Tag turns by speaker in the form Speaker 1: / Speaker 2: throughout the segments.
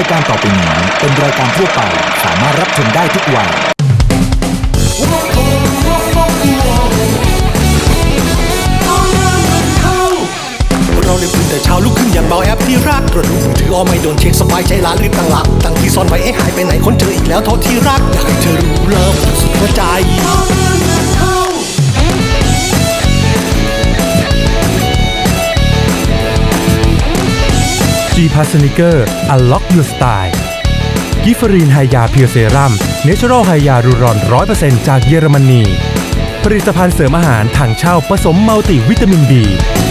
Speaker 1: ายการต่อไปนี้เป็นรายการทั่วไปสามารถรับชมได้ทุกวัย
Speaker 2: เราเลยตื่นแต่เช้าลุกขึ้นอย่างเบาแอปที่รักตรวจดูมือถือไม่โดนเช็คสบายใจล้านรีบตั้งหลักตั้งที่ซ่อนไว้ให้หายไปไหนคนเจออีกแล้วโทษที่รักอยากให้เธอรู้เลิฟสุดหัวใจ
Speaker 3: G-Pass Sneaker Unlock Your Style กิฟรีนไฮยาเพียวเซรั่มเนเชอรัลไฮยารูรอน 100% จากเยอรมนีผลิตภัณฑ์เสริมอาหารถังเช่าผสมมัลติวิตามิน B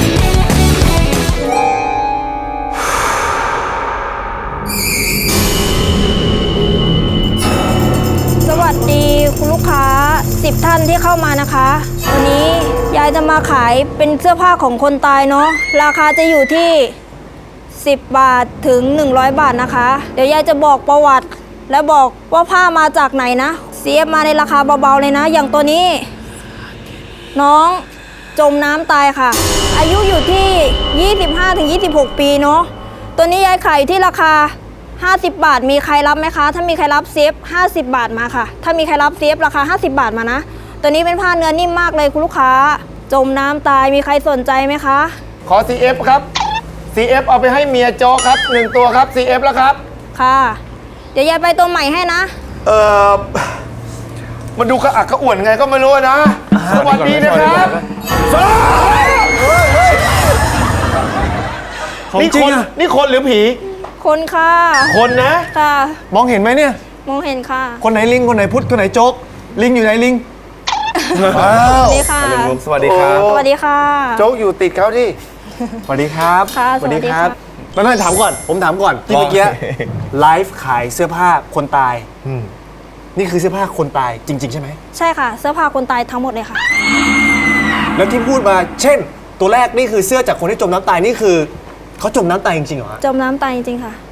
Speaker 4: สวัสดีคุณลูกค้า10 ท่านที่เข้ามานะคะวันนี้ยายจะมาขายเป็นเสื้อผ้าของคนตายเนาะราคาจะอยู่ที่10 บาทถึง100 บาทนะคะเดี๋ยวยายจะบอกประวัติและบอกว่าผ้ามาจากไหนนะเสียมาในราคาเบาๆเลยนะอย่างตัวนี้น้องจมน้ำตายค่ะอายุอยู่ที่25-26 ปีเนาะตัวนี้ยายขายอยู่ที่ราคา50 บาทมีใครรับไหมคะถ้ามีใครรับเซฟ50 บาทมาค่ะถ้ามีใครรับเซฟราคา50 บาทมานะตัวนี้เป็นผ้าเนื้อนิ่มมากเลยคุณลูกค้าจมน้ำตายมีใครสนใจไหมคะ
Speaker 5: ขอ CF ครับ CF เอาไปให้เมียโจครับ1ตัวครับ CF แล้วครับ
Speaker 4: ค่ะเดี๋ยวยายไปตัวใหม่ให้นะ
Speaker 5: มันดูกระอักกระอ่วนไงก็ไม่รู้นะสวัสดีนะครับนี่คนหรือผี
Speaker 4: คนค่ะ
Speaker 5: คนนะ
Speaker 4: ค่ะ
Speaker 5: มองเห็นไหมเนี่ย
Speaker 4: มองเห็นค่ะ
Speaker 5: คนไหนลิงคนไหนพุทธคนไหนโจ๊กลิงอยู่ไหนลิง
Speaker 4: สวัสดีค่ะ
Speaker 5: สวัสดีครับ
Speaker 4: สวัสดีค่ะ
Speaker 5: โจ๊กอยู่ติดเขาที่สวัสดีครับ
Speaker 4: ค่ะสวัสดีครับ
Speaker 5: ไม่ถามก่อนผมถามก่อนที่เมื่อกี้ไลฟ์ขายเสื้อผ้าคนตายนี่คือเสื้อผ้าคนตายจริงๆใช่ไหม
Speaker 4: ใช่ค่ะเสื้อผ้าคนตายทั้งหมดเลยค่ะ
Speaker 5: แล้วที่พูดมาเช่นตัวแรกนี่คือเสื้อจากคนที่จมน้ำตายนี่คือเขาจมน้ำตายจริงๆเหรอ
Speaker 4: จมน้ำตายจริงๆค่ะ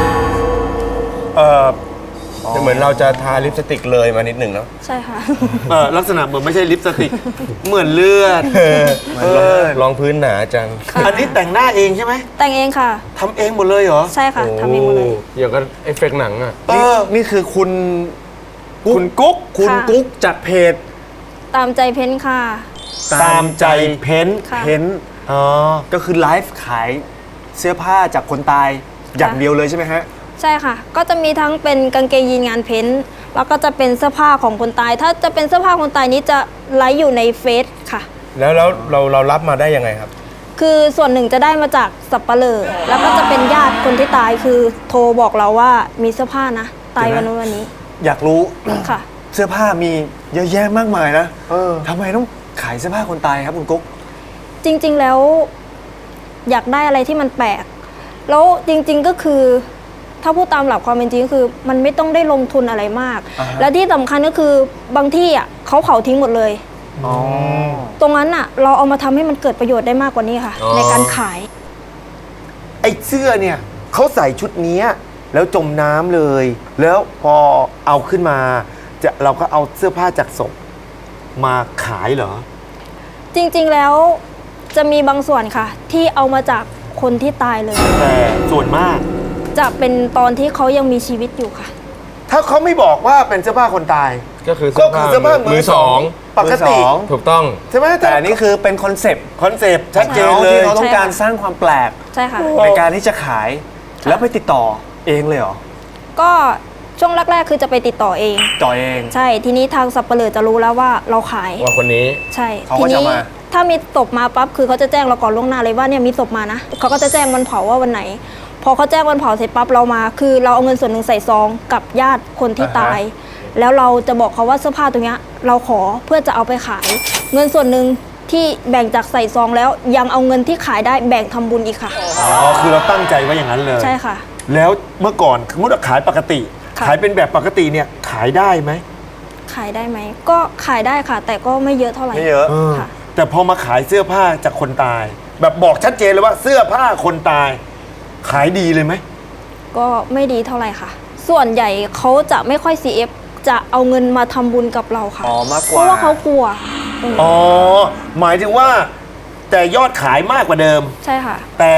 Speaker 6: เหมือนเราจะทาลิปสติกเลยมานิดหนึ่งเนาะ
Speaker 4: ใช่ค่ะ
Speaker 5: ลักษณะเหมือนไม่ใช่ลิปสติกเหมือนเลือด
Speaker 6: รองพื้นหนาจัง
Speaker 5: อันนี้แต่งหน้าเองใช่ไหม
Speaker 4: แต่งเองค่ะ
Speaker 5: ทำเองหมดเลยเหรอ
Speaker 4: ใช่ค่ะทำเองหมดเลย
Speaker 6: อย่างกับเอฟเฟกต์หนังอ่ะ
Speaker 5: นี่คือคุณกุ๊กจากเพจ
Speaker 4: ตามใจเพ้นค่ะ
Speaker 5: ตามใจเพ้นก็คือไลฟ์ขายเสื้อผ้าจากคนตายอย่างเดียวเลยใช่ไหมฮะ
Speaker 4: ใช่ค่ะก็จะมีทั้งเป็นกางเกงยีนงานเพ้นแล้วก็จะเป็นเสื้อผ้าของคนตายถ้าจะเป็นเสื้อผ้าคนตายนี้จะไลฟ์อยู่ในเฟซค่ะ
Speaker 6: แล้วเรารับมาได้ยังไงครับ
Speaker 4: คือส่วนหนึ่งจะได้มาจากสับปะเลอแล้วก็จะเป็นญาติคนที่ตายคือโทรบอกเราว่ามีเสื้อผ้านะตายวันนู้นวันนี้
Speaker 5: อยากรู้
Speaker 4: ค่ะ
Speaker 5: เสื้อผ้ามีเยอะแยะมากมายนะทำไมต้องขายเสื้อผ้าคนตายครับคุณกุ๊ก
Speaker 4: จริงๆแล้วอยากได้อะไรที่มันแปลกแล้วจริงๆก็คือถ้าพูดตามหลักความเป็นจริงก็คือมันไม่ต้องได้ลงทุนอะไรมากและที่สำคัญก็คือบางที่อ่ะเขาเผาทิ้งหมดเลยตรงนั้นอ่ะเราเอามาทำให้มันเกิดประโยชน์ได้มากกว่านี้ค่ะในการขาย
Speaker 5: ไอ้เสื้อเนี่ยเขาใส่ชุดนี้แล้วจมน้ำเลยแล้วพอเอาขึ้นมาเราก็เอาเสื้อผ้าจากศพมาขายเหรอ
Speaker 4: จริงๆแล้วจะมีบางส่วนค่ะที่เอามาจากคนที่ตายเลย
Speaker 5: แต่ส่วนมาก
Speaker 4: จะเป็นตอนที่เขายังมีชีวิตอยู่ค่ะ
Speaker 5: ถ้าเขาไม่บอกว่าเป็นเสื้อผ้าคนตาย
Speaker 6: ก็คือเสื้อผ้ามือสอง
Speaker 5: ปกติ
Speaker 6: ถูกต้อง
Speaker 5: ใช่ไหมแต่อันนี้คือเป็นคอนเซปต์ชัดเจนเลยที่เขาต้องการสร้างความแปลก
Speaker 4: ใช่ค่ะ
Speaker 5: ในการที่จะขายแล้วไปติดต่อเองเลยเหรอ
Speaker 4: ก็ช่วงแรกๆคือจะไปติดต่อเองใช่ทีนี้ทางสับปะเลอจะรู้แล้วว่าเราขาย
Speaker 6: ว่าคนนี้
Speaker 4: ใช่ทีนี้ถ้ามีศพมาปั๊บคือเขาจะแจ้งเราก่อนล่วงหน้าเลยว่าเนี่ยมีศพมานะเขาก็จะแจ้งวันเผาว่าวันไหนพอเขาแจ้งวันเผาเสร็จปั๊บเรามาคือเราเอาเงินส่วนหนึ่งใส่ซองกับญาติคนที่ตายแล้วเราจะบอกเขาว่าเสื้อผ้าตรงนี้เราขอเพื่อจะเอาไปขายเงินส่วนหนึ่งที่แบ่งจากใส่ซองแล้วยังเอาเงินที่ขายได้แบ่งทำบุญอีกค่ะ
Speaker 5: คือเราตั้งใจไว้อย่างนั้นเลย
Speaker 4: ใช่ค่ะ
Speaker 5: แล้วเมื่อก่อนสมมติว่าขายปกติขายเป็นแบบปกติเนี่ยขายได้ไหม
Speaker 4: ขายได้ไหมก็ขายได้ค่ะแต่ก็ไม่เยอะเท่าไหร่
Speaker 5: ไม่เยอะค่ะแต่พอมาขายเสื้อผ้าจากคนตายแบบบอกชัดเจนเลยว่าเสื้อผ้าคนตายขายดีเลยไหม
Speaker 4: ก็ไม่ดีเท่าไหร่ค่ะส่วนใหญ่เขาจะไม่ค่อย CF จะเอาเงินมาทำบุญกับเราค่ะ
Speaker 5: มากกว่า
Speaker 4: เพราะว่าเขากลัว
Speaker 5: หมายถึงว่าแต่ยอดขายมากกว่าเดิม
Speaker 4: ใช่ค่ะ
Speaker 5: แต่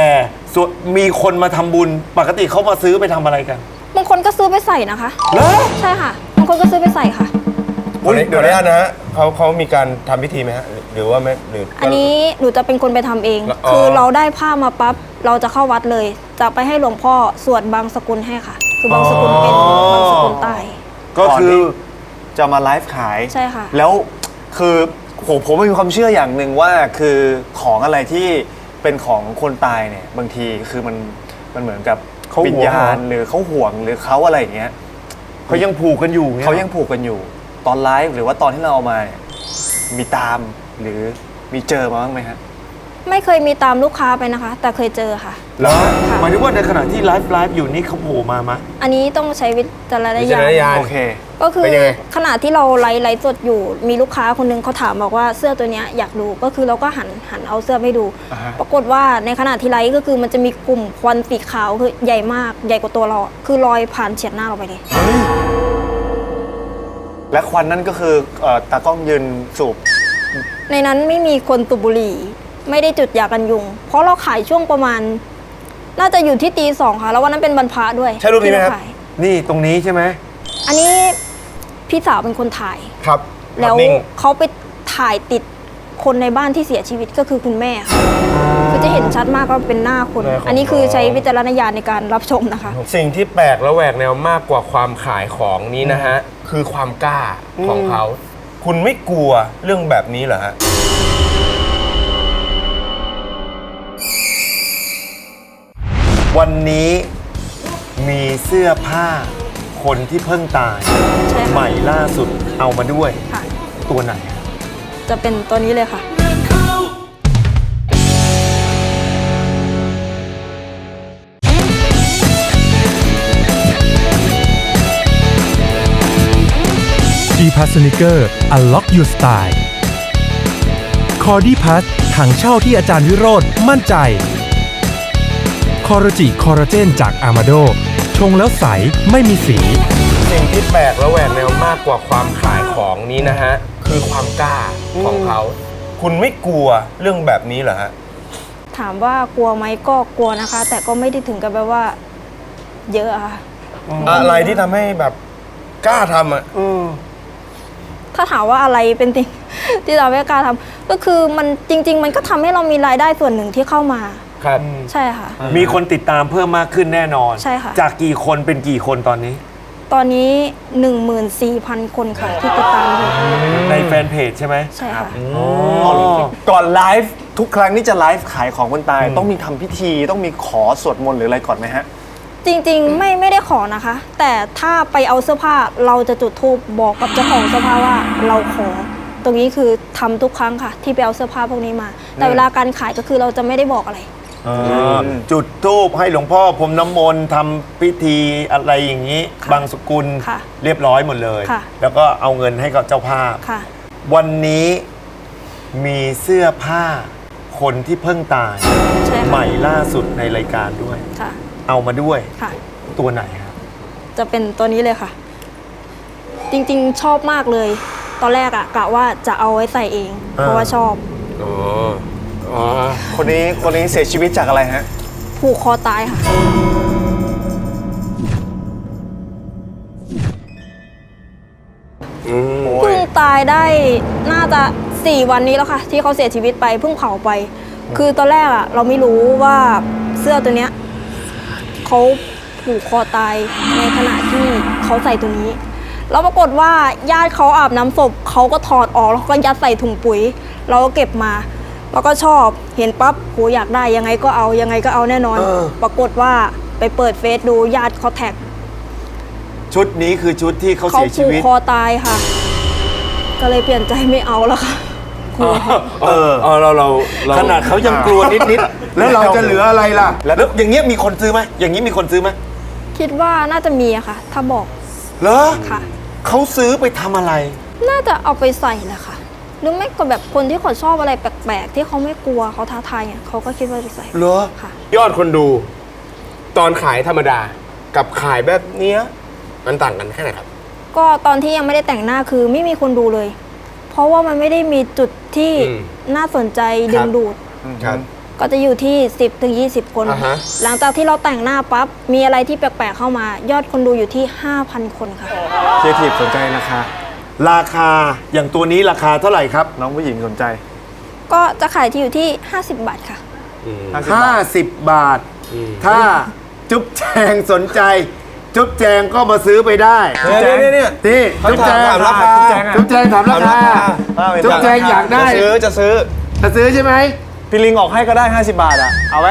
Speaker 5: ส่วนมีคนมาทำบุญปกติเขามาซื้อไปทำอะไรกัน
Speaker 4: บางคนก็ซื้อไปใส่นะคะ
Speaker 5: เหรอ
Speaker 4: ใช่ค่ะบางคนก็ซื้อไปใส่ค่ะ
Speaker 6: เดี๋ยวนะฮะเขามีการทำพิธีไหมฮะหรือว่าไม่หรือ
Speaker 4: อันนี้หนูจะเป็นคนไปทำเอง
Speaker 6: อ๋อ
Speaker 4: คือเราได้ผ้ามาปั๊บเราจะเข้าวัดเลย จะไปให้หลวงพ่อสวดบางสกุลให้ค่ะ คือบางสกุลเป็นบางสกุลใต้
Speaker 5: ก็คือ
Speaker 7: จะมาไลฟ์ขาย
Speaker 4: ใช่ค่ะ
Speaker 7: แล้วคือผมมีความเชื่ออย่างหนึ่งว่าคือของอะไรที่เป็นของคนตายเนี่ยบางทีคือมันเหมือนกับ
Speaker 5: เขาห่วง
Speaker 7: วิญญาณหรือเขาห่วงหรือเขาอะไรอย่างเงี้ย
Speaker 5: เขายังผูกกันอยู่นี่
Speaker 7: เขายังผูกกันอยู่ตอนไลฟ์หรือว่าตอนที่เราเอามาเนี่ยมีตามหรือมีเจอมาบ้างไหมฮะ
Speaker 4: ไม่เคยมีตามลูกค้าไปนะคะ แต่เคยเจอค่ะ
Speaker 5: เหรอ
Speaker 4: ค่ะ
Speaker 5: หมายถึงว่าในขณะที่ไลฟ์อยู่นี่เขาโผล่มามะ
Speaker 4: อันนี้ต้องใช้วิจารณ
Speaker 6: วิ
Speaker 4: ญา
Speaker 6: จารณญา
Speaker 4: ณ
Speaker 6: ณ
Speaker 7: โอเค
Speaker 4: ก็คือ
Speaker 6: เป็นยังไง
Speaker 4: ขณะที่เราไลฟ์สดอยู่มีลูกค้าคนนึงเขาถามบอกว่าเสื้อตัวเนี้ยอยากดูก็คือเราก็หันเอาเสื้อไปดู
Speaker 7: อ่าฮะ
Speaker 4: ปรากฏว่าในขณะที่ไลฟ์ก็คือมันจะมีกลุ่มควันสีขาวคือใหญ่มากใหญ่กว่าตัวเราอะคือลอยผ่านเฉียดหน้าเราไปเลย
Speaker 7: และควันนั่นก็คือตากล้องยืนสูบ
Speaker 4: ในนั้นไม่มีคนสูบบุหรี่ไม่ได้จุดยากันยุง เพราะเราขายช่วงประมาณ น่าจะอยู่ที่ตี 2ค่ะแล้ววันนั้นเป็นวันพระด้วย
Speaker 6: ใช่รูปนี้ไหมครับ
Speaker 4: ที่เาขาย
Speaker 5: นี่ตรงนี้ใช่ไหม
Speaker 4: อันนี้พี่สาวเป็นคนถ่าย
Speaker 6: ครับ
Speaker 4: แล้ว
Speaker 6: นิ่ง
Speaker 4: เขาไปถ่ายติดคนในบ้านที่เสียชีวิตก็คือคุณแม่ค่ะคือจะเห็นชัดมากว่าเป็นหน้าคน อันนี้คือใช้วิจารณญาณในการรับชมนะคะ
Speaker 6: สิ่งที่แปลกและแหวกแนวมากกว่าความขายของนี้นะฮะ คือความกล้าของเขา คุณไม่กลัวเรื่องแบบนี้เหรอฮะ
Speaker 5: วันนี้มีเสื้อผ้าคนที่เพิ่งตาย
Speaker 4: ใช่ค่ะ
Speaker 5: ใหม่ล่าสุดเอามาด้วย
Speaker 4: ค่ะ
Speaker 5: ตัวไหน
Speaker 4: จะเป็นตัวนี้เลยค่ะ
Speaker 3: G Pass Sneaker Unlock Your Style คอร์ดี้พัสถังเช่าที่อาจารย์วิโรธมั่นใจคอร์จิคอร์เจนจากอามาโดชงแล้วใสไม่มีสี
Speaker 6: สิ่งที่แปลกและแหวกแนวมากกว่าความขายของนี้นะฮะ คือความกล้าของเขา คุณไม่กลัวเรื่องแบบนี้เหรอฮะ
Speaker 4: ถามว่ากลัวไหมก็กลัวนะคะ แต่ก็ไม่ได้ถึงกับแบบว่า เยอะอะค่ะ
Speaker 6: อะไรที่ทำให้แบบกล้าทำอ่ะ
Speaker 4: ถ้าถามว่าอะไรเป็นสิ่ง ที่เราไม่กล้าทำก็คือมันจริง ๆ มันก็ทำให้เรามีรายได้ส่วนหนึ่งที่เข้ามา
Speaker 6: ครับ
Speaker 4: ใช่ค่ะ
Speaker 5: มีคนติดตามเพิ่มมากขึ้นแน่นอน
Speaker 4: ใช่ค่ะ
Speaker 5: จากกี่คนเป็นกี่คนตอนนี้
Speaker 4: ตอนนี้ 14,000 คนค่ะที่ติดตามอยู่
Speaker 5: ในแฟนเพจใช่ไหม
Speaker 4: ใช่ค่ะ
Speaker 7: ก่อนไลฟ์ทุกครั้งที่จะไลฟ์ขายของคนตาย ต้องมีทำพิธีต้องมีขอสวดมนต์หรืออะไรก่อนไหมฮะ
Speaker 4: จริงๆไม่ได้ขอนะคะ แต่ถ้าไปเอาเสื้อผ้าเราจะจุดธูปบอกกับเจ้าของเสื้อผ้าว่าเราขอ ตรงนี้คือทำทุกครั้งค่ะ ที่ไปเอาเสื้อผ้าพวกนี้มา แต่เวลาการขายก็คือเราจะไม่ได้บอกอะไร
Speaker 5: จุดธูปให้หลวงพ่อพรมน้ำมนต์ทำพิธีอะไรอย่างนี้
Speaker 4: ค่ะ
Speaker 5: บางสกุล
Speaker 4: ค่ะ
Speaker 5: เรียบร้อยหมดเลย
Speaker 4: ค่ะ
Speaker 5: แล้วก็เอาเงินให้กับเจ้าภาพ
Speaker 4: ค่ะ
Speaker 5: วันนี้มีเสื้อผ้าคนที่เพิ่งตาย
Speaker 4: ใช่
Speaker 5: ให
Speaker 4: ค่ะ
Speaker 5: ม่ล่าสุดในรายการด้วย
Speaker 4: ค่ะ
Speaker 5: เอามาด้วย
Speaker 4: ค่ะ
Speaker 5: ตัวไหนครับ
Speaker 4: จะเป็นตัวนี้เลยค่ะ จริงๆชอบมากเลย ตอนแรกอะกะว่าจะเอาไว้ใส่เอง เพราะว่าชอบ
Speaker 7: คนนี้เสียชีวิตจากอะไรฮะ
Speaker 4: ผูกคอตายค่ะ เพิ่งตายได้น่าจะ4 วันนี้แล้วค่ะ ที่เขาเสียชีวิตไปเพิ่งเผาไป คือตอนแรกอะเราไม่รู้ว่าเสื้อตัวเนี้ยเขาผูกคอตายในขณะที่เขาใส่ตัวนี้แล้วปรากฏว่าญาติเขาอาบน้ำศพเขาก็ถอดออกแล้วก็ยัดใส่ถุงปุ๋ย เราก็เก็บมาแล้วก็ชอบเห็นปั๊บโหอยากได้ยังไงก็เอายังไงก็เอาแน่นอน ปรากฏว่าไปเปิดเฟซดูญาติเขาแท็ก
Speaker 5: ชุดนี้คือชุดที่เขา
Speaker 4: เขา
Speaker 5: เสียชี
Speaker 4: ผูก
Speaker 5: วิต
Speaker 4: คอตายค่ะ ก็เลยเปลี่ยนใจไม่เอาแล้วค่ะกลัว
Speaker 6: เรา
Speaker 5: ขนาดเขายังกลัวนิดๆ แล้วเราจะเหลืออะไรล่ะ แล้วอย่างเงี้ยมีคนซื้อไหมอย่างนี้มีคนซื้อไหม
Speaker 4: คิดว่าน่าจะมีอะค่ะ ถ้าบอก
Speaker 5: เหรอ
Speaker 4: ค่ะ
Speaker 5: เขาซื้อไปทำอะไร
Speaker 4: น่าจะเอาไปใส่แหละค่ะ หรือไม่ก็แบบคนที่เขาชอบอะไรแปลกๆ ที่เขาไม่กลัวเขาท้าทายเนี่ยเขาก็คิดว่าจะใส่
Speaker 5: เหรอ
Speaker 4: ค่ะ
Speaker 6: ยอดคนดู ตอนขายธรรมดา กับขายแบบเนี้ยมันต่างกันแค่ไหนครับ
Speaker 4: ก็ตอนที่ยังไม่ได้แต่งหน้าคือไม่มีคนดูเลย เพราะว่ามันไม่ได้มีจุดที่
Speaker 6: อืม
Speaker 4: น่าสนใจดึงดูด
Speaker 6: ครับ
Speaker 4: ก็จะอยู่ที่ 10-20 คน
Speaker 6: อ่าฮะ
Speaker 4: หลังจากที่เราแต่งหน้าปั๊บ มีอะไรที่แปลกๆเข้ามา ยอดคนดูอยู่ที่ 5,000 คนค่ะ
Speaker 7: ครีเอทีฟสนใจราคา
Speaker 5: ราคาอย่างตัวนี้ราคาเท่าไหร่ครับ
Speaker 7: น้องผู้หญิงสนใจ
Speaker 4: ก็จะขายที่อยู่ที่ 50 บาทค่ะ
Speaker 7: 50 บาท
Speaker 5: 50 บาท ถ้าจุ๊บแจงสนใจ จุ๊บแจงก็มาซื้อไปได้
Speaker 6: เนี่ยนี่
Speaker 5: นี่จุ๊บแจง
Speaker 6: ถามราคา
Speaker 5: จุ๊บแจงถามราคาจุ๊บแจงอยากได้
Speaker 6: จะซื้อ
Speaker 5: จะซื้อใช่ไหม
Speaker 7: พี่ลิงออกให้ก็ได้ 50 บาทอ่ะ เอาไหม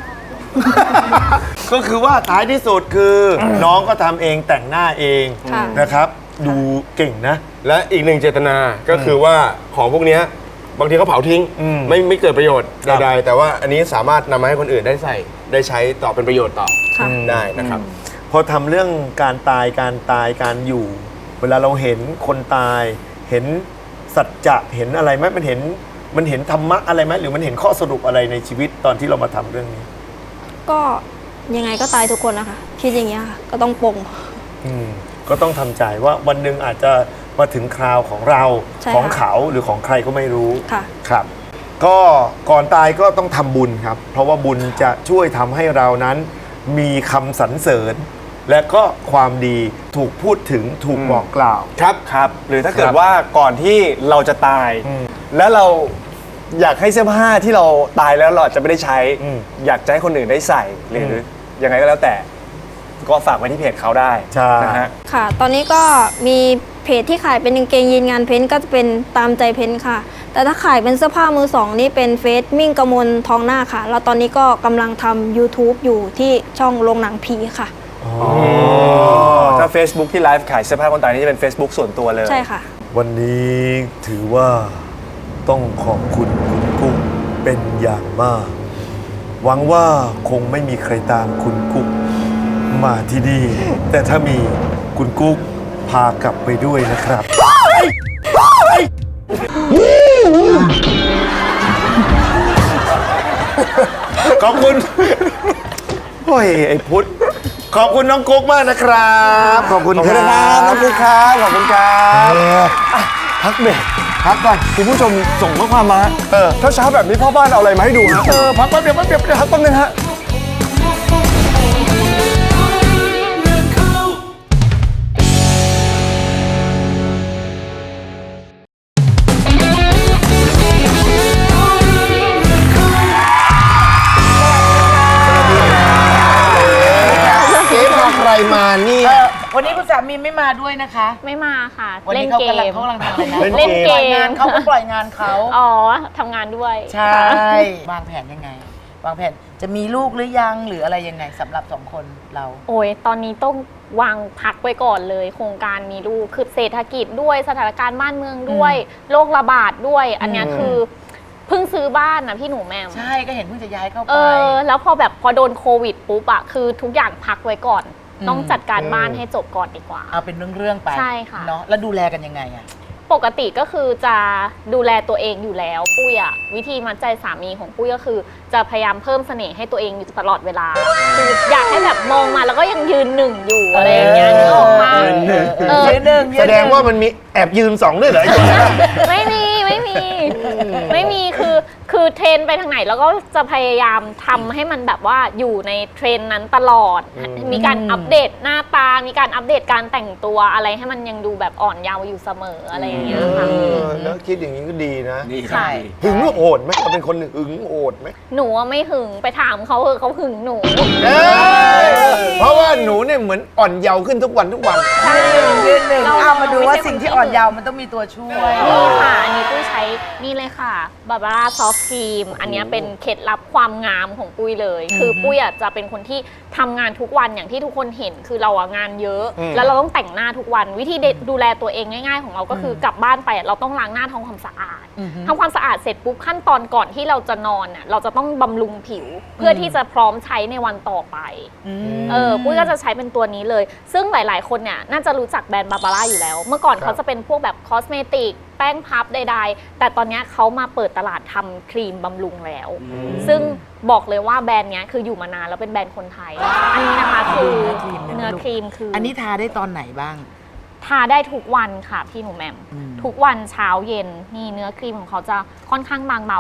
Speaker 5: ก็คือว่าท้ายที่สุดคือน้องก็ทำเองแต่งหน้าเอง
Speaker 4: ค่ะ
Speaker 5: นะครับ ดูเก่งนะ
Speaker 6: และอีกหนึ่งเจตนาก็คือว่าของพวกเนี้ยบางทีเขาเผาทิ้ง ไม่เกิดประโยชน์
Speaker 5: ครับ
Speaker 6: ใดๆแต่ว่าอันนี้สามารถนำมาให้คนอื่นได้ใส่ได้ใช้ต่อเป็นประโยชน์ต่อ
Speaker 4: ค่ะ
Speaker 6: ได้นะครับ
Speaker 5: พอทำเรื่องการตายการอยู่ เวลาเราเห็นคนตาย เห็นสัจจะเห็นอะไรไหมมันเห็นธรรมะอะไรไหมหรือมันเห็นข้อสรุปอะไรในชีวิตตอนที่เรามาทำเรื่องนี้
Speaker 4: ก็ยังไงก็ตายทุกคนนะคะ คิดอย่างเงี้ยค่ะ ก็ต้องปลง
Speaker 5: ก็ต้องทำใจว่าวันหนึ่งอาจจะมาถึงคราวของเรา
Speaker 4: ใช่
Speaker 5: ของ
Speaker 4: ค่ะ
Speaker 5: เขาหรือของใครก็ไม่รู้
Speaker 4: ค่ะ
Speaker 5: ครับ ก็ก่อนตายก็ต้องทำบุญครับ เพราะว่าบุญจะช่วยทำให้เรานั้น มีคำสรรเสริญ และก็ความดีถูกพูดถึงถูกบอกกล่าว
Speaker 7: ครับ หรือถ้าเกิ
Speaker 5: ค
Speaker 7: ด
Speaker 5: รับ
Speaker 7: ว่าก่อนที่เราจะตาย แล้วเราอยากให้เสื้อผ้าที่เราตายแล้วเราอาจจะไม่ได้ใช้ อยากจะให้คนอื่นได้ใส่หรือยังไงก็แล้วแต่ ก็ฝากไว้ที่เพจเขาได้
Speaker 5: ใช่
Speaker 7: นะฮะ
Speaker 4: ค่ะ ตอนนี้ก็มีเพจที่ขายเป็นกางเกงยีนงานเพ้นท์ก็จะเป็นตามใจเพ้นท์ค่ะ แต่ถ้าขายเป็นเสื้อผ้ามือสองนี่เป็นเฟซมิ่งกมลทองหน้าค่ะ แล้วตอนนี้ก็กำลังทำ YouTube อยู่ที่ช่องโรงหนังผีค่ะ
Speaker 7: ถ้า Facebook ที่ไลฟ์ขายเสื้อผ้าคนตายนี่จะเป็น Facebook ส่วนตัวเลย
Speaker 4: ใช่ค่ะ
Speaker 5: วันนี้ถือว่าต้องขอบคุณคุณกุ๊กเป็นอย่างมาก หวังว่าคงไม่มีใครตามคุณกุ๊กมาที่นี่ แต่ถ้ามีคุณกุ๊กพากลับไปด้วยนะครับ ขอบคุณ โอ้ย ไอ้พุทธขอบคุณน้องกุ๊กมากนะครับ ขอบคุณ
Speaker 7: ขอบ
Speaker 5: ค
Speaker 7: คุณ
Speaker 5: รั
Speaker 7: นะครับน้อง
Speaker 5: บ
Speaker 7: กุ๊กครับขอบคุณครับพักเบรก
Speaker 5: พักก่อน
Speaker 7: คุณผู้ชมส่งข้อความมาถ้าเช้าแบบนี้พ่อบ้านเอาอะไรมาให้ดูฮะพักแป๊บเดียวพักแป๊บนึงฮะ
Speaker 5: เจ๊พาใครมาเนี่ย
Speaker 8: วันนี้คุณสามีไม่มาด้วยนะคะ
Speaker 9: ไม่มาค่ะ
Speaker 8: วัน
Speaker 9: เล่
Speaker 8: นี้
Speaker 9: น
Speaker 8: เขา
Speaker 9: เก
Speaker 8: กำลัง
Speaker 9: ม
Speaker 8: ทำอะไรนะ
Speaker 9: เล่นเกม
Speaker 8: ปล่อยงานเขาก็ปล่อยงานเขา
Speaker 9: อ๋อทำงานด้วย
Speaker 8: ใช่
Speaker 9: ค่ะ
Speaker 8: วางแผนยังไง วางแผนจะมีลูกหรือยังหรืออะไรยังไงสำหรับสองคนเรา
Speaker 9: โอ้ยตอนนี้ต้องวางพักไว้ก่อนเลย โครงการมีลูกคือเศรษฐกิจด้วยสถานการณ์บ้านเมืองด้วยโรคระบาดด้วย อันเนี้ยคือเพิ่งซื้อบ้านนะพี่หนูแม่ม
Speaker 8: ใช่ก็เห็นเพิ่งจะย้ายเข้าไป
Speaker 9: แล้วพอโดนโควิดปุ๊บอะคือทุกอย่างพักไว้ก่อน ต้องจัดการบ้านให้จบก่อนดีกว่า
Speaker 8: เอาเป็นเรื่องๆไป
Speaker 9: ใช่ค่ะ
Speaker 8: เนาะแล้วดูแลกันยังไงอะ
Speaker 9: ปกติก็คือจะดูแลตัวเองอยู่แล้วปุ้ยอะวิธีมัดใจสามีของปุ้ยก็คือ จะพยายามเพิ่มเสน่ห์ให้ตัวเองอยู่ตลอดเวลาคืออยากให้แบบมองมาแล้วก็ยังยืนหนึ่งอยู่อะไรอย่างเงี้ยนึกออกมา
Speaker 8: ยืนหนึ่ง
Speaker 5: แสดงว่ามันมีแอบยืนสองด้วยเหรอ
Speaker 9: ไม่มีคือเทรนไปทางไหนแล้วก็จะพยายามทำให้มันแบบว่าอยู่ในเทรนนั้นตลอด มีการอัปเดตหน้าตา มีการอัปเดตการแต่งตัวอะไรให้มันยังดูแบบอ่อนเยาว์อยู่เสมออะไรอย่างเงี้ยค่ะ
Speaker 5: แล้วคิดอย่างนี้ก็ดีนะ
Speaker 9: ใช่
Speaker 5: หึงโหดไหมเราเป็นคนหึงโหดไหม
Speaker 9: หนูว่าไม่หึงไปถามเขาเขาหึงหนู
Speaker 5: เพราะว่าหนูเนี่ยเหมือนอ่อนเยาว์ขึ้นทุกวัน
Speaker 8: ยืนหนึ่ง
Speaker 9: เรา
Speaker 8: เอามาดูว่า
Speaker 9: ไม่ใช่
Speaker 8: สิ่งที่
Speaker 9: คนที่
Speaker 8: อ่อนเยาว์มันต้องมีตัวช่วย
Speaker 9: นี่ค่ะ อันนี้ปุ้ยใช้นี่เลยค่ะบาบาร่าซอฟต์ครีมอันนี้เป็นเคล็ดลับความงามของปุ้ยเลย คือปุ้ยจะเป็นคนที่ทำงานทุกวันอย่างที่ทุกคนเห็นคือเรางานเยอะ แล้วเราต้องแต่งหน้าทุกวันวิธีดูแลตัวเองง่ายๆของเราก็คือกลับบ้านไปเราต้องล้างหน้าทำความสะอาดทำความสะอาดเสร็จปุ๊บขั้นตอนก่อนที่เราจะนอนน่ะเราจะต้องบำรุงผิว เพื่อที่จะพร้อมใช้ในวันต่อไปปุ้ยก็จะใช้เป็นตัวนี้เลย ซึ่งหลายๆคนเนี่ยน่าจะรู้จักแบรนด์บาบาร่าอยู่แล้ว เมื่อก่อนเขาจะเป็นพวกแบบคอสเมติกแป้งพับใดๆแต่ตอนนี้เขามาเปิดตลาดทำครีมบำรุงแล้ว ซึ่งบอกเลยว่าแบรนด์นี้คืออยู่มานานแล้วเป็นแบรนด์คนไทย อันนี้นะคะคือเนื้อครีมคือ
Speaker 8: อันนี้ทาได้ตอนไหนบ้าง
Speaker 9: ทาได้ทุกวันค่ะพี่หนูแหม่มทุกวันเช้าเย็นนี่เนื้อครีมของเขาจะค่อนข้างบางเบาท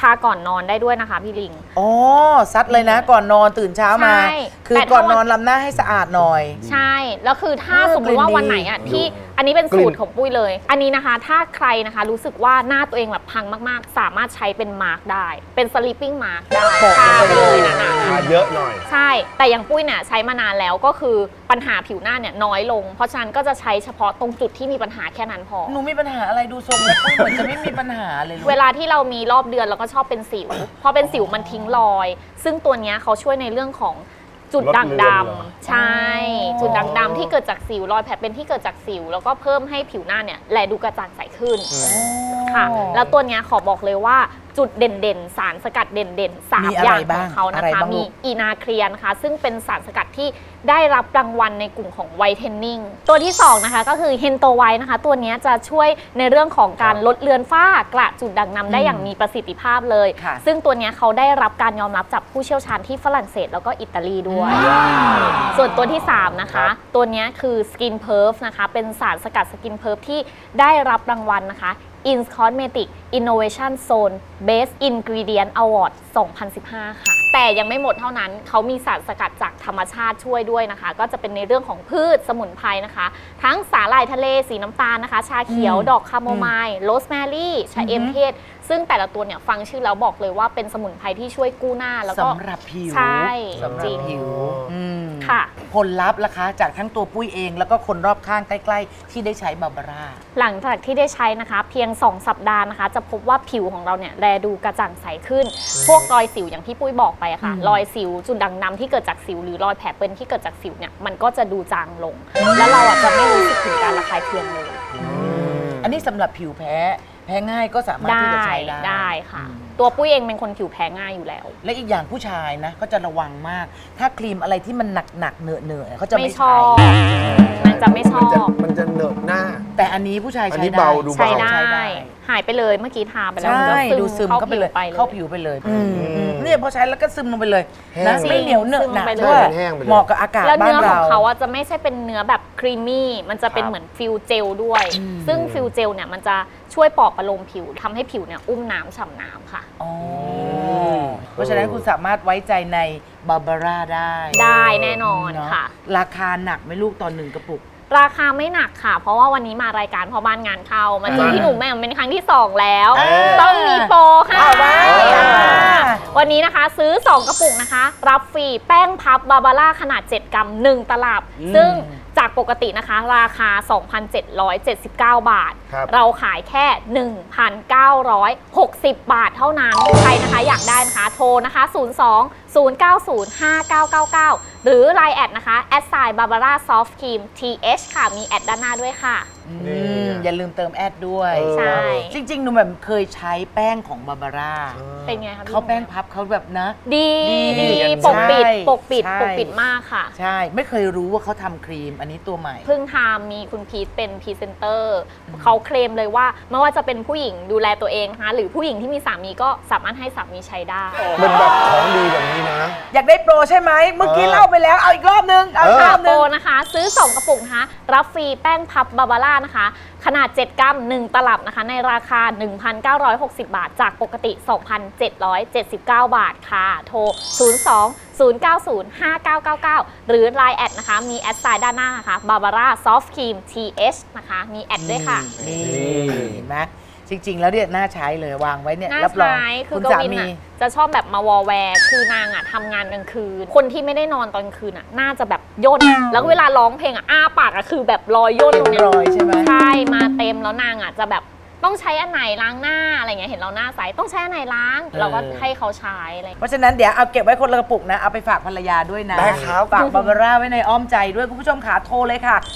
Speaker 9: าก่อนนอนได้ด้วยนะคะพี่ลิง
Speaker 8: อ๋อซัดเลยนะก่อนนอนตื่นเช้ามา
Speaker 9: ใช่
Speaker 8: คือ
Speaker 9: แต่
Speaker 8: ก่อน
Speaker 9: ถ้าวัน
Speaker 8: นอนล้างหน้าให้สะอาดหน่อย
Speaker 9: ใช่แล้วคือถ้า
Speaker 8: เออ
Speaker 9: สมมติว่า
Speaker 8: เป็นดี
Speaker 9: วันไหนอ่ะที่อันนี้เป็นสูตรของปุ้ยเลย อันนี้นะคะถ้าใครนะคะรู้สึกว่าหน้าตัวเองแบบพังมากๆ สามารถใช้เป็นมาร์กได้เป็นสลิปปิ้งมาร์กได้ทาไปเลยนะ
Speaker 6: ทาเยอะหน่อย
Speaker 9: ใช่แต่อย่างปุ้ยเนี่ยใช้มานานแล้วก็คือปัญหาผิวหน้าเนี่ยน้อยลง เพราะฉะนั้นก็จะใช้เฉพาะตรงจุดที่มีปัญหาแค่นั้นพอ
Speaker 8: หนูมีปัญหาอะไรดูทรงแล้วปุ้ยเหมือนจะไม่มีปัญหาเลยลูก
Speaker 9: เวลาที่เรามีรอบเดือนเราก็ชอบเป็นสิว พอเป็นสิวมันทิ้งรอย ซึ่งตัวเนี้ยเขาช่วยในเรื่องของจุดด่างดำใช่ จุดด่างดำที่เกิดจากสิวรอยแผลเป็นที่เกิดจากสิว แล้วก็เพิ่มให้ผิวหน้าเนี่ยแลดูกระจ่างใสขึ้นค่ะ แล้วตัวเนี้ยขอบอกเลยว่าจุดเด่นๆ สารสกัดเด่นๆ3
Speaker 8: มี
Speaker 9: อ
Speaker 8: อะไร
Speaker 9: ย่างข
Speaker 8: บ้า
Speaker 9: อง งเขานะ
Speaker 8: อะไร
Speaker 9: คะ
Speaker 8: บ้างลู
Speaker 9: มี
Speaker 8: ก
Speaker 9: อีนาเคลียนะคะ ซึ่งเป็นสารสกัดที่ได้รับรางวัลในกลุ่มของไวท์เทนนิ่งตัวที่2นะคะก็คือเฮนโตไวท์นะคะตัวเนี้ยจะช่วยในเรื่องของการลดเลือนฝ้ากระจุดด่างดำได้อย่างมีประสิทธิภาพเลย
Speaker 8: ค่ะ
Speaker 9: ซึ่งตัวเนี้ยเขาได้รับการยอมรับจากผู้เชี่ยวชาญที่ฝรั่งเศสแล้วก็อิตาลีด้วย ส่วนตัวที่ 3 นะคะ ตัวเนี้ยคือ Skin Perf นะคะ เป็นสารสกัด Skin Perf ที่ได้รับรางวัลนะคะ Ins Cosmetic Innovation Zone Best Ingredient Award 2015 ค่ะ แต่ยังไม่หมดเท่านั้น เขามีสารสกัดจากธรรมชาติช่วยด้วยนะคะ ก็จะเป็นในเรื่องของพืชสมุนไพรนะคะ ทั้งสาหร่ายทะเลสีน้ำตาลนะคะ ชาเขียว ดอกคาโมไมล์ โรสแมรี่ชาเอมเทศ ซึ่งแต่ละตัวเนี่ยฟังชื่อแล้วบอกเลยว่าเป็นสมุนไพรที่ช่วยกู้หน้าแล้วก็
Speaker 8: สำหรับผิว
Speaker 9: ใช่
Speaker 8: สำห
Speaker 9: จ
Speaker 8: รั
Speaker 9: ริ
Speaker 8: บ
Speaker 9: ง
Speaker 8: ผิวม
Speaker 9: ค่ะ
Speaker 8: ผลลัพธ์ล่ะคะจากทั้งตัวปุ้ยเองแล้วก็คนรอบข้างใกล้ๆ ที่ได้ใช้บาบาร่า
Speaker 9: หลังจากที่ได้ใช้นะคะเพียง 2 สัปดาห์นะคะ จะพบว่าผิวของเราเนี่ยแลดูกระจ่างใสขึ้น พวกรอยสิวอย่างที่ปุ้ยบอกไปอะค่ะ รอยสิวจุดด่างดำที่เกิดจากสิวหรือรอยแผลเป็นที่เกิดจากสิวเนี่ยมันก็จะดูจางลง แล้วเราอะจะไม่รู้สึกถึงการระคายเคืองเลย
Speaker 8: อันนี้สำหรับผิวแพ้ง่ายก็สามารถที่จะใช้ได้
Speaker 9: ได้ค่ะ ตัวปุ้ยเองเป็นคนผิวแพ้ง่ายอยู่แล้ว
Speaker 8: และอีกอย่างผู้ชายนะก็จะระวังมาก ถ้าครีมอะไรที่มันหนักๆเหนอะเขาจะ
Speaker 9: ไม่
Speaker 8: ไม่
Speaker 9: ชอ
Speaker 8: ใช้
Speaker 9: บมันจะไม่ชอบ
Speaker 6: มันจะเหนอะหน้า
Speaker 8: แต่อันนี้ผู้ชาย
Speaker 6: อัน
Speaker 8: ใช้
Speaker 6: นี้
Speaker 8: ได้
Speaker 6: เบาดูเบา
Speaker 9: ใช้ได้ หายไปเลยเมื่อกี้ทาไปแล้วมัน
Speaker 8: ใช่
Speaker 9: ก็
Speaker 8: ดูซึมเข้าไปเลย
Speaker 9: เข้า
Speaker 8: เข้า
Speaker 9: ผิ
Speaker 8: ผิ
Speaker 9: ว
Speaker 8: วไปเลยเนี่ยพอใช้แล้วก็ซึมลงไปเลย
Speaker 6: แห้ง
Speaker 8: นะ
Speaker 6: เลย
Speaker 8: ไม่เหนียวเหนอะหนัก
Speaker 9: ซึมลงไปเลย
Speaker 8: ด้วย
Speaker 6: แห้งไปเลย
Speaker 8: เหมาะกับอากาศ
Speaker 9: แล้ว
Speaker 8: บ้าน
Speaker 9: เนื้อข
Speaker 8: เรา
Speaker 9: องเขาอะจะไม่ใช่เป็นเนื้อแบบครีมมี่ มันจะเป็นเหมือนฟิลเจลด้วย ซึ่งฟิลเจลเนี่ยมันจะช่วยปลอบประโลมผิวทำให้ผิวเนี่ยอุ้มน้ำฉ่ำน้ำค่ะ
Speaker 8: อ๋อเพราะฉะนั้นคุณสามารถไว้ใจในบาบาร่าได้
Speaker 9: ได้แน่นอน
Speaker 8: เนาะ
Speaker 9: ค่ะ
Speaker 8: ราคาหนักไหมลูกตอน1 กระปุก
Speaker 9: ราคาไม่หนักค่ะ เพราะว่าวันนี้มารายการพ่อบ้านงานเข้ามาเจอพี่หนุ่มแม่มเป็นครั้งที่ 2 แล้ว ต้องมีโปรค่ะ
Speaker 8: เอาไว้
Speaker 9: วันนี้นะคะซื้อ 2 กระปุกนะคะ รับฟรีแป้งพับบาบาร่าขนาด 7 กรัม 1 ตลับ ซึ่งจากปกตินะคะ ราคา 2,779 บาท
Speaker 6: ครับ
Speaker 9: เราขายแค่ 1,960 บาทเท่านั้น ใครนะคะอยากได้นะคะโทรนะคะ 02-090-5999 หรือ Line แอดนะคะบาบาร่าซอฟต์ครีม TH ค่ะ มีแอดด้านหน้าด้วยค่ะ
Speaker 8: อย่าลืมเติมแอดด้วย
Speaker 9: ใช่
Speaker 8: จริงๆหนูแบบเคยใช้แป้งของบาบาร่า
Speaker 9: เป็นไงคะพี่
Speaker 8: เขาแป้งพับเขาแบบนะ
Speaker 9: ดี
Speaker 8: ดี
Speaker 9: ปกปิด
Speaker 8: ใช่
Speaker 9: ปกปิด
Speaker 8: ใช่
Speaker 9: ปกปิดมากค่ะ
Speaker 8: ใช่ ไม่เคยรู้ว่าเขาทำครีมอันนี้ตัวใหม่
Speaker 9: เพิ่งทำมีคุณพีทเป็นพรีเซนเตอร์เขาเคลมเลยว่าไม่ว่าจะเป็นผู้หญิงดูแลตัวเองนะคะหรือผู้หญิงที่มีสามีก็สามารถให้สามีใช้ได้
Speaker 6: มันแบบของดีแบบนี้นะ
Speaker 8: อยากได้โปรใช่ไหม เมื่อกี้เล่าไปแล้ว เอาอีกรอบนึง เอาอีกรอบ
Speaker 9: โป
Speaker 8: นึ
Speaker 9: รง นะคะ ซื้อ 2 กระปุกนะคะ รับฟรีแป้งพับบาบาร่านะคะ ขนาด 7 กรัม 1 ตลับนะคะ ในราคา 1,960 บาท จากปกติ 2,779 บาทค่ะ โทร 02-090-5999 หรือ Line แอดนะคะ มีแอดไซน์ด้านหน้านะคะบาบาร่าซอฟต์ครีม TH นะคะ มีแอดด้วยค่ะ
Speaker 8: นี่เห็นไหมจริง ๆ แล้วเนี่ยน่าใช้เลยวางไว้เนี่ย
Speaker 9: น่า
Speaker 8: รับรอง
Speaker 9: ใช้คือ
Speaker 8: คุณ
Speaker 9: ก
Speaker 8: สา
Speaker 9: วิน
Speaker 8: มี
Speaker 9: อ่ะจะชอบแบบมาวอลแวร์คือนางอ่ะทำงานกลางคืน คนที่ไม่ได้นอนตอนกลางคืนอ่ะน่าจะแบบย่นแล้วเวลาร้องเพลงอ่ะอ้าปากอ่ะคือแบบรอยย่นตรงเนี้
Speaker 8: รอยใช่ไหม
Speaker 9: ใช่มาเต็มแล้วนางอ่ะจะแบบต้องใช้อันไหนล้างหน้าอะไรเงี้ยเห็นเราหน้าใสต้องใช้อันไหนล้าง เราก็ให้เขาใช้อะไร
Speaker 8: เพราะฉะนั้นเดี๋ยวเอาเก็บไว้คนละกระปุกนะ เอาไปฝากภรรยาด้วยนะ
Speaker 6: ได้ครับ
Speaker 8: ฝากบาบาร่าไว้ในอ้อมใจด้วยคุณผู้ชมค่ะโทรเลยค่ะ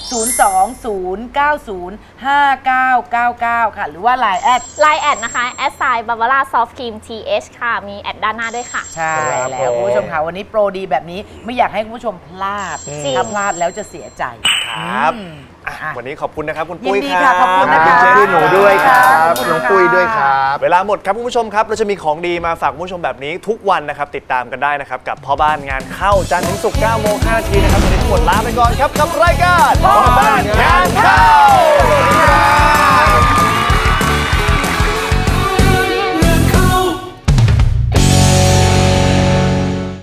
Speaker 8: 020905999 ค่ะ หรือว่า Line แอด
Speaker 9: Line แอดนะคะแอดไซน์บาบาร่าซอฟต์ครีม TH ค่ะมีแอดด้านหน้าด้วยค่ะ
Speaker 8: ใช่แล้วคุณผู้ชมค่ะวันนี้โปรดีแบบนี้ไม่อยากให้คุณผู้ชมพลาด
Speaker 9: จริง
Speaker 8: ถ้าพลาดแล้วจะเสียใจ
Speaker 5: ครับ
Speaker 8: อืม
Speaker 5: อ่ะ
Speaker 8: อ่ะ
Speaker 5: วันนี้ขอบคุณนะครับ คุณ
Speaker 8: ยิน
Speaker 5: ปุ้ย
Speaker 8: ดี
Speaker 5: ครั
Speaker 8: ค่ะ
Speaker 5: บ
Speaker 8: ขอบคุณนะคะ
Speaker 5: ขอบคุณหนูด้วยครับ
Speaker 8: ขอบคุณ
Speaker 6: น้องปุ้ยด้วยครับ
Speaker 5: เวลาหมดครับคุณผู้ชมครับ เราจะมีของดีมาฝากคุณผู้ชมแบบนี้ทุกวันนะครับ ติดตามกันได้นะครับ กับพ่อบ้านงานเข้าจันทร์ถึงศุกร์9 โมง 5 นาทีนะครับวันนี้ทั้งหมดลาไปก่อนครับกับรายการพ่อบ้านงานเข้า